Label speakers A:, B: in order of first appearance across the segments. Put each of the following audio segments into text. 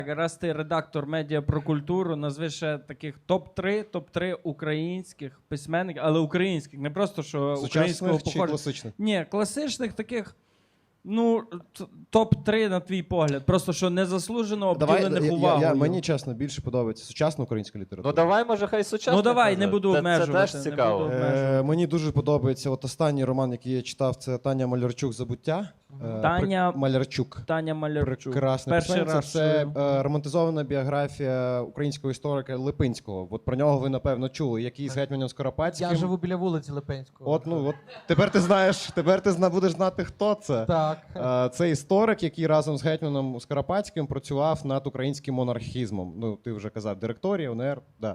A: Раз ти редактор медіа про культуру, назви ще таких топ-3 українських письменників, але українських, не просто що українського
B: Сучасних чи
A: походження.
B: класичних?
A: Ні, класичних таких, ну, топ-3 на твій погляд. Просто що незаслужено обділених увагою.
B: Мені, чесно, більше подобається сучасна українська література.
C: Ну давай, може, хай сучасно.
A: Ну давай, не буду обмежувати.
C: Це теж цікаво.
A: Не буду обмежувати.
B: Мені дуже подобається от останній роман, який я читав, це Таня Малярчук «Забуття».
A: Таня
B: Малярчук.
A: Таня Малярчук.
B: Прекрасна
A: Перший
B: письменниця.
A: раз
B: Це
A: чую.
B: романтизована біографія українського історика Липинського. От про нього ви, напевно, чули, який з гетьманом Скоропадським.
D: Я живу біля вулиці Липинського.
B: От тепер ти будеш знати, хто це.
D: Так.
B: Це історик, який разом з гетьманом Скоропадським працював над українським монархізмом. Ну, ти вже казав, директорія, УНР, да.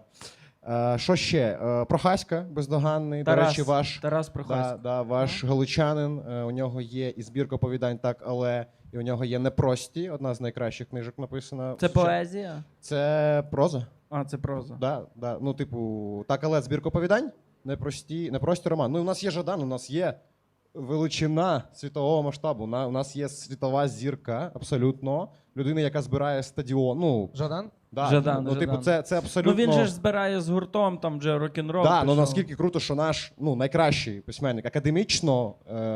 B: Що ще? Прохаська, бездоганний. До речі,
A: Тарас Прохаська.
B: ваш галичанин. У нього є і збірка оповідань «Так, але», і у нього є «Непрості», одна з найкращих книжок написана.
A: Це поезія?
B: Це проза.
A: А, це проза.
B: Да. Ну, типу, «Так, але» збірка оповідань, непрості роман. Ну, у нас є Жадан, у нас є величина світового масштабу. У нас є світова зірка, абсолютно. Людина, яка збирає стадіон. Ну,
D: Жадан?
B: да,
A: Жадан.
B: типу, це абсолютно...
A: Ну він же ж збирає з гуртом, там же рок-н-рол.
B: Да, ну наскільки круто, що наш найкращий письменник академічно,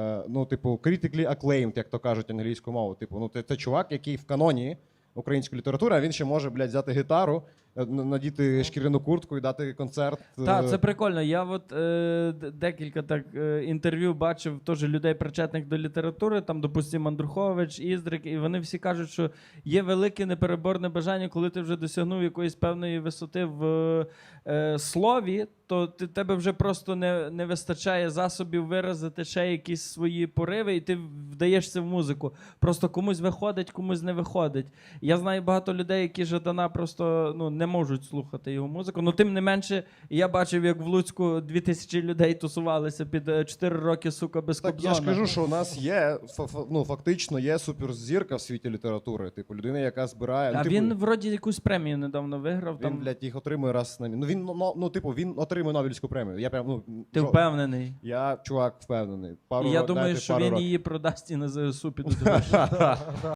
B: critically acclaimed, як то кажуть англійською мовою. Типу, це чувак, який в каноні української літератури, а він ще може, взяти гітару, надіти шкіряну куртку і дати концерт.
A: Так, це прикольно. Я от декілька так інтерв'ю бачив теж людей, причетних до літератури, там, допустимо, Андрухович, Іздрик, і вони всі кажуть, що є велике непереборне бажання, коли ти вже досягнув якоїсь певної висоти в слові, то тебе вже просто не вистачає засобів виразити ще якісь свої пориви, і ти вдаєшся в музику. Просто комусь виходить, комусь не виходить. Я знаю багато людей, які Жадана просто не можуть слухати його музику. Ну, тим не менше, я бачив, як в Луцьку 2000 людей тусувалися під 4 роки, сука, без
B: Так,
A: Кобзона.
B: я ж кажу, що у нас є, фактично є суперзірка в світі літератури. Типу, людина, яка збирає...
A: А він, вроді, якусь премію недавно виграв.
B: Він, їх отримує раз на місяць. Він отримує Нобелівську премію. Я прям,
A: Ти впевнений?
B: Я, чувак, впевнений.
A: І я думаю, що він її продасть і на ЗСУ підуть.